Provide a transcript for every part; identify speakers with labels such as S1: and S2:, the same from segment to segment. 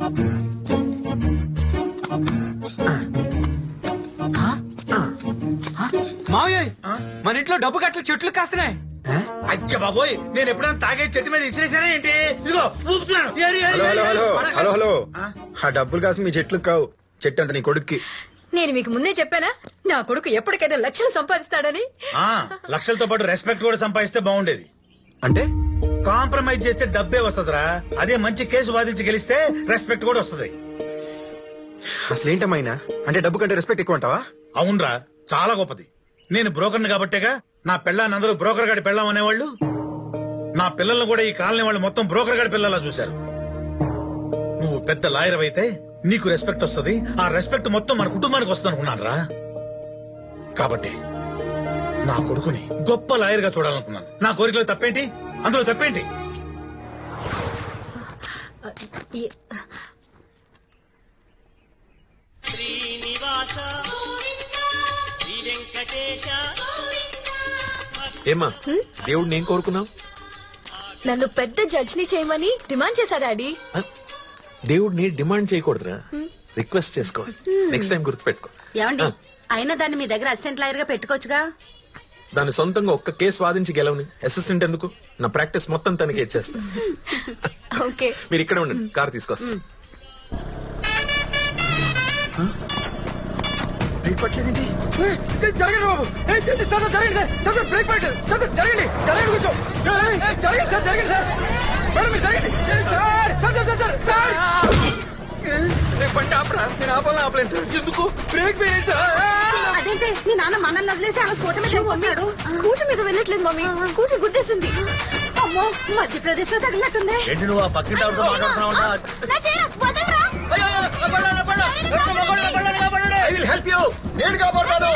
S1: మావయ్య మన ఇంట్లో డబ్బు కట్టలు చెట్లు కాస్తున్నాయి.
S2: అచ్చ బాబోయ్, నేను ఎప్పుడైనా తాగే చెట్టు మీద ఇసిరేసానా ఏంటి? ఇదిగో ఊపుతున్నాను.
S3: హలో హలో, ఆ డబ్బులు కాసు మీ చెట్లు కావు, చెట్టు అంత నీ కొడుక్కి.
S4: నేను మీకు ముందే చెప్పానా నా కొడుకు ఎప్పటికైనా లక్షలు సంపాదిస్తాడని.
S2: లక్షలతో పాటు రెస్పెక్ట్ కూడా సంపాదిస్తే బాగుండేది.
S3: అంటే
S2: కాంప్రమైజ్ చేస్తే డబ్బే వస్తుందిరా. అదే మంచి కేసు వాదించి గెలిస్తే రెస్పెక్ట్ కూడా వస్తుంది.
S3: అసలు ఏంటమైనా అంటే డబ్బు కంటే రెస్పెక్ట్ ఎక్కువ అంటావా?
S2: అవునరా, చాలా గొప్పది. నేను బ్రోకర్ని కాబట్టేగా నా పెళ్ళాన్ని అందరూ బ్రోకర్ గాడి పెళ్ళాం అనేవాళ్ళు. నా పిల్లల్ని కూడా ఈ కాలనీ వాళ్ళు మొత్తం బ్రోకర్ గాడి పిల్లలా చూశారు. నువ్వు పెద్ద లాయర్ అయితే నీకు రెస్పెక్ట్ వస్తుంది. ఆ రెస్పెక్ట్ మొత్తం మన కుటుంబానికి వస్తుంది అనుకున్నాను రా. కాబట్టి నా కొడుకుని గొప్ప లాయర్ గా చూడాలనుకున్నాను. నా కోరికలో తప్పేంటి? అందులో తప్పేంటి?
S5: ఏమా దేవుడు నేను కోరుకున్నావు?
S4: నన్ను పెద్ద జడ్జిని చేయమని డిమాండ్ చేశారు డాడీ.
S5: దేవుడిని డిమాండ్ చేయకూడదురా, రిక్వెస్ట్ చేసుకో. నెక్స్ట్ టైం గుర్తుపెట్టుకో.
S6: ఏమండి, అయినా దాన్ని మీ దగ్గర అసిస్టెంట్ లాయర్ గా పెట్టుకోవచ్చుగా.
S5: దాని సొంతంగా ఒక్క కేసు వాదించి గెలవని అసిస్టెంట్ ఎందుకు? నా ప్రాక్టీస్ మొత్తం తనకి ఇచ్చేస్తా.
S4: ఓకే,
S5: మీరు ఇక్కడే ఉండండి, కార్ తీసుకొస్తా.
S3: బ్రేక్ పట్టలేదేంటి? జరగండి బాబు, జరగండి బ్రేక్ పట్టలేదు, జరగండి జరగండి కొంచెం, జరగండి సార్, జరగండి సార్, మేడం మీరు జరగండి సార్, బండి ఆపరా. నేను ఆపలేను సార్. ఎందుకు? బ్రేక్ వేయండి సార్.
S6: అదేంటే మీ నాన్న మనల్ని వదిలేసి అలా స్కూటర్ మీద వెళ్ళిపోతాడు.
S4: స్కూటర్ మీద వెళ్ళట్లేదు మమ్మీ, స్కూటర్ గుద్దేసింది.
S6: అమ్మో, మధ్యప్రదేశ్ లో తగిలినట్టుంది.
S2: ఏంటి నువ్వు ఆ పక్కింటి ఆవిడతో మాట్లాడుతున్నావు?
S3: I will help you. నేను కాపాడుతాను.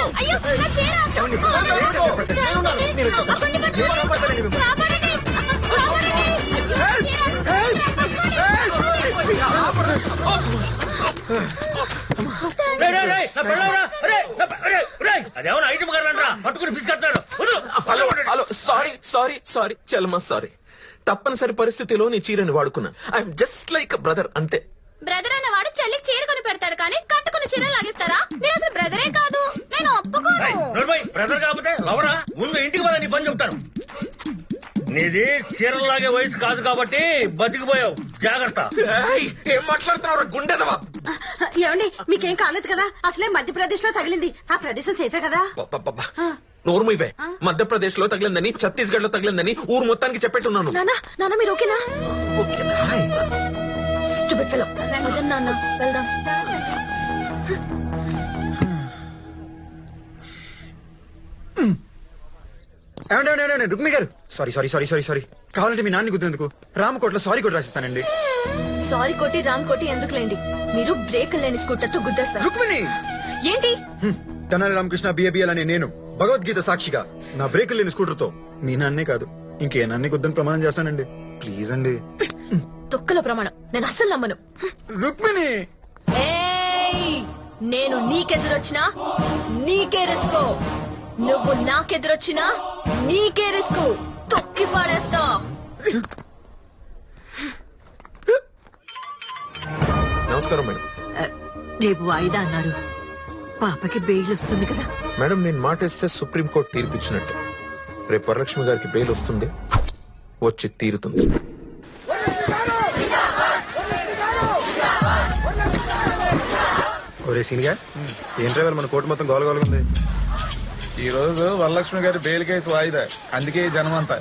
S2: అదేమన్నా ఐటమ్ కావాలంటరా, పట్టుకుని పిసుకొస్తాడు.
S5: హలో, సారీ సారీ సారీ చలమా, సారీ. తప్పనిసరి పరిస్థితిలో నీ చీరని వాడుకున్నా. ఐఎమ్ జస్ట్ లైక్ బ్రదర్, అంతే.
S4: బ్రదర్ అన్నవాడు చెల్లికి చీర కొని పెడతాడు కానీ కట్టుకుని చీర లాగిస్తారా? మీరు అసలు బ్రదరే కాదు, నేను ఒప్పుకోను.
S2: బ్రదర్ కాకపోతే లవరా? ముందు ఇంటికి పద, నీ పని చెప్తాను. నీది చీరలాగే వయసు కాదు కాబట్టి బతికిపోయావు, జాగ్రత్త.
S5: ఏం మాట్లాడుతున్నావు గుండెదవా?
S6: ఏమండి, మీకేం కాలేదు కదా? అసలే మధ్యప్రదేశ్ లో తగిలింది. ఆ ప్రదేశం సేఫే కదా?
S5: నోర్మైపే. మధ్యప్రదేశ్ లో తగిలిందని, ఛత్తీస్గఢ్ లో తగిలిందని ఊరు మొత్తానికి చెప్పేట్టున్నాను.
S4: నాన్న మీరు ఓకేనా? నాన్న వెళ్దాం.
S3: రుక్మి గారు, సారీ. కావాలంటే మీ నాన్న గుర్తెందుకు రామకోట్లో సారీ కూడా రాసిస్తానండి.
S4: సారీ కోటి రామ్ కోటి ఎందుకులేండి, మీరు బ్రేక్ లేని స్కూటర్ తో గుద్దేస్తారు.
S3: రుక్మిణి
S4: ఏంటి?
S3: తెనాలి రామకృష్ణ బిఏబిఎల్ అనే నేను భగవద్గీత సాక్షిగా నా బ్రేక్ లేని స్కూటర్ తో మీ నాన్నే కాదు ఇంకే నాన్నే గుద్దని ప్రమాణం చేస్తానండి. ప్లీజ్ అండి.
S4: తొక్కల ప్రమాణం నేను అస్సలు నమ్మను.
S3: రుక్మిణి,
S4: నేను నీకెదురొచ్చినా నీకే రిస్క్, నువ్వు నాకెదురొచ్చినా నీకే రిస్క్. తొక్కి పాడేస్తా.
S5: నమస్కారం మేడం.
S6: రేపు వాయిదా అన్నారు. పాపకి బెయిల్ వస్తుంది కదా
S5: మేడం? నేను మాట ఇస్తే సుప్రీంకోర్టు తీర్పిచ్చినట్టు. రేపు వరలక్ష్మి గారికి బెయిల్ వస్తుంది, వచ్చి తీరుతుంది.
S3: ఒరే సీనిగా, ఏం డ్రైవర్ మన కోర్టు మొత్తం గోలగోలుగా ఉంది.
S7: ఈ రోజు వరలక్ష్మి గారి బెయిల్ కేసు వాయిదా, అందుకే జనం అంతా.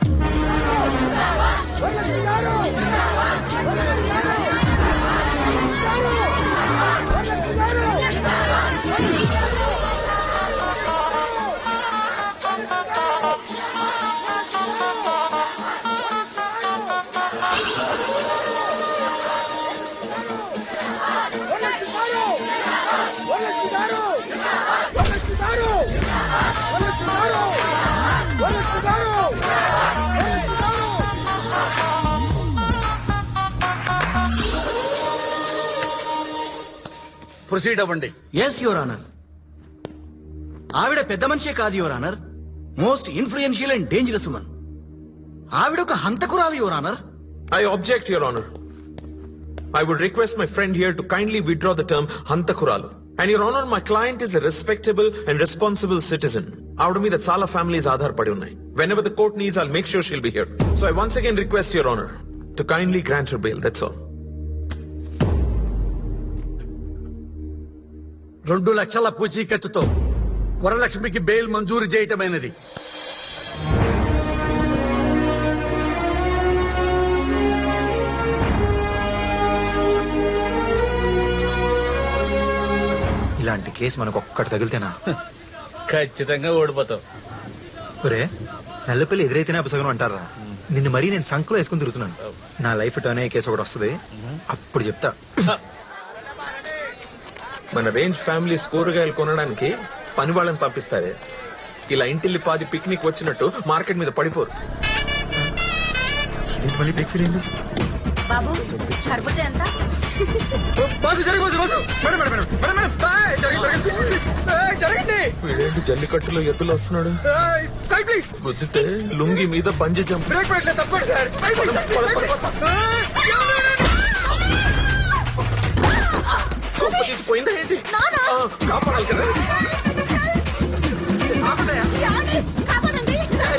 S2: ప్రొసీడ్ అవ్వండి.
S8: Yes your honour. ఆవిడ పెద్ద మనిషే కాదు your honour, most influential and dangerous woman. ఆవిడ ఒక హంతకురాలు your honour.
S5: I object your honour. I would request my friend here to kindly withdraw the term Hantakuralu. And your honor, my client is a respectable and responsible citizen. Out of me, that Sala family is Aadhar padi unnai. Whenever the court needs, I'll make sure she'll be here. So I once again request your honor to kindly grant her bail. That's all.
S8: 2 లక్షల పూచీకత్తుతో వరలక్ష్మికి bail మంజూరు చేయటమైనది.
S1: ఇలాంటి case మనకు ఒక్కటి తగిలితేనా?
S2: ఖచ్చితంగా ఓడిపోతావు.
S1: ఒరే నల్లపల్లి ఎదురైతేనే అపసగనం అంటారా? నిన్ను మరీ నేను సంకలో వేసుకుని తిరుగుతున్నాను. నా లైఫ్ టర్న్ అయ్యే కేసు ఒకటి వస్తుంది, అప్పుడు చెప్తా.
S5: మన రేంజ్ ఫ్యామిలీస్ కూరగాయలు కొనడానికి పని వాళ్ళని పంపిస్తారే, ఇలా ఇంటిల్లి పాది పిక్నిక్ వచ్చినట్టు మార్కెట్ మీద పడిపోరు.
S1: ఇదేంటి మళ్ళీ బ్రేక్ ఫీల్ అయింది?
S6: బాబు సరిపోతే ఎంత?
S3: బాసు జరిగి boss boss madam madam madam madam madam ఏయ్, జరగండి జరగండి
S5: వీడేంటి జల్లికట్టులో ఎద్దులు వస్తున్నాడు?
S3: Side please.
S5: వద్దుతే లుంగి మీద బంజి జంప్.
S3: బ్రేక్ పెట్టలేదు తప్పండి sir. Side please, side please.
S5: పోయిందా ఏంటి? కాపాడాలి కదా.
S6: కాపాడండి.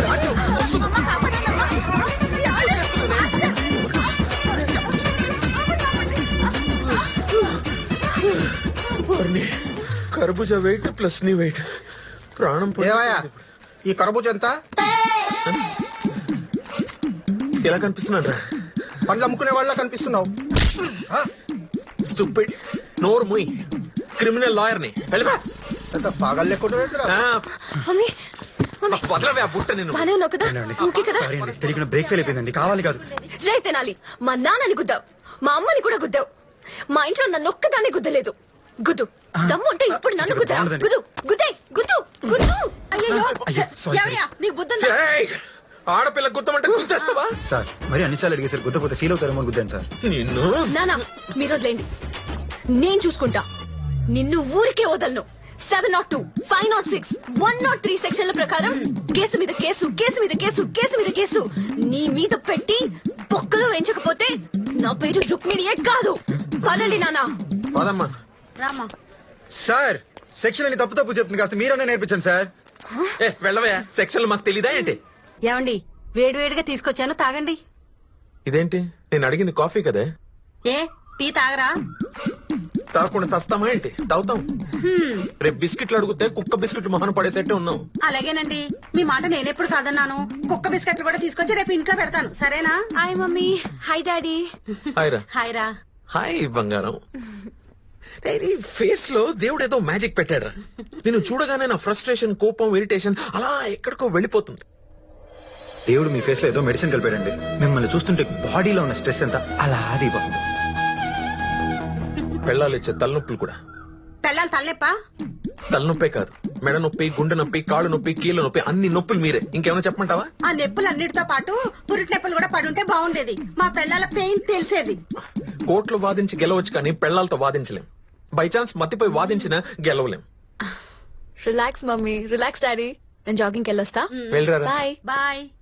S5: కర్బూజా వెయిట్ ప్లస్ నీ వెయిట్ ప్రాణం
S7: ఏవయ్యా ఈ కరబూజ ఎంత?
S5: ఎలా కనిపిస్తున్నారా?
S7: పండ్లు అమ్ముకునే వాళ్ళ కనిపిస్తున్నావు.
S5: స్టూపిడ్. నోరు ముయ్. క్రిమినల్ లాయర్ ని వెళ్ళిపా.
S7: ఎంత పాగల్ లేకుండా
S4: మమ్మీ మమ్మీ
S5: వదలవే ఆ బుట్ట నేను.
S4: బానే ఉన్నావు కదా? ఓకే కదా?
S1: సారీ అండి, తెలియకుండా బ్రేక్ ఫెయిల్ అయిపోయిందండి. కావాలి కాదు.
S4: జై తెనాలి. మా నాన్నని గుద్దావు, మా అమ్మని కూడా గుద్దావు, మా ఇంట్లో నన్ను ఒక్కదాన్ని గుద్దలేదు. గుద్దు దమ్ము ఉంటే ఇప్పుడు నన్ను గుద్దా. గుద్దు గుద్దే గుద్దు గుద్దు.
S6: అయ్యో
S1: అయ్యో, sorry,
S6: ఏమయ్యా నీకు బుద్ధుందా?
S5: ఏయ్! ఆడపిల్ల గుద్దమంటే గుద్దేస్తావా?
S1: సార్ మరి అన్నిసార్లు అడిగేసారు, గుద్దపోతే ఫీల్ అవుతారేమో అని గుద్దాను సార్.
S5: నిన్ను
S4: నానా మీరు వదిలేండి, నేను చూసుకుంటా. నిన్ను ఊరికే వదలను. 702, 506, 103 సెక్షన్ల ప్రకారం కేసు మీద కేసు, కేసు మీద కేసు, కేసు మీద కేసు నీ మీద పెట్టి పొక్కలో వేయించకపోతే నా పేరు రుక్మిణియే కాదు. పదండి నానా.
S5: పదమ్మా.
S6: రామా
S1: సార్ సెక్షన్ అని తప్పు తప్పు చెప్తుంది, కాస్త మీరన్నా నేర్పించండి సార్.
S5: వెళ్ళవయ్యా, సెక్షన్లు మాకు తెలీదా ఏంటి?
S6: ఏమండి వేడివేడిగా తీసుకొచ్చాను తాగండి.
S5: ఇదేంటి నేను అడిగింది కాఫీ కదే.
S6: ఏ టీ తాగరా?
S5: తాగకుండా చస్తామా ఏంటి? తాగుతాం. రేపు బిస్కెట్లు అడిగితే కుక్క బిస్కెట్ మొహన పడేసేట్టే ఉన్నాం.
S6: అలాగేనండి, మీ మాట నేనెప్పుడు కాదన్నాను. కుక్క బిస్కెట్లు కూడా తీసుకొచ్చి రేపు ఇంట్లో పెడతాను, సరేనా?
S4: Hi mummy. Hi daddy.
S5: Hi రా.
S6: హాయ్ రా.
S5: హాయ్ బంగారం. నీ ఫేస్ లో దేవుడు ఏదో మ్యాజిక్ పెట్టాడు. నేను చూడగానే నా ఫ్రస్ట్రేషన్, కోపం, ఇరిటేషన్ అలా ఎక్కడికో వెళ్ళిపోతుంది.
S1: దేవుడు మీ ఫేస్ లో ఏదో మెడిసిన్ కలిపాడండి. మిమ్మల్ని చూస్తుంటే బాడీలో ఉన్న స్ట్రెస్ ఎంత అలా దిగిపోతుంది.
S5: పెళ్ళాలు ఇచ్చే తలనొప్పులు కూడా.
S6: పెళ్ళాలి తల్లెప్ప?
S5: తలనొప్పే కాదు, మెడ నొప్పి, గుండె నొప్పి, కాళ్ళు నొప్పి, కీళ్ళ నొప్పి, అన్ని నొప్పులు మీరే. ఇంకేమైనా చెప్పమంటావా?
S6: ఆ నొప్పులన్నిటితో పాటు పురిటి నొప్పులు కూడా పడుంటే బాగుండేది. మా పెళ్ళాల పెయిన్ తెలిసేది.
S5: కోర్టులో వాదించి గెలవచ్చు కానీ పెళ్ళాలతో వాదించలేం. బై ఛాన్స్ మత్తిపోయి వాదించినా గెలవలేం.
S4: Relax mummy, relax daddy. నేను జాగింగ్కి వెళ్ళొస్తా.
S5: వెళ్ళరా.
S4: బాయ్.
S6: బాయ్.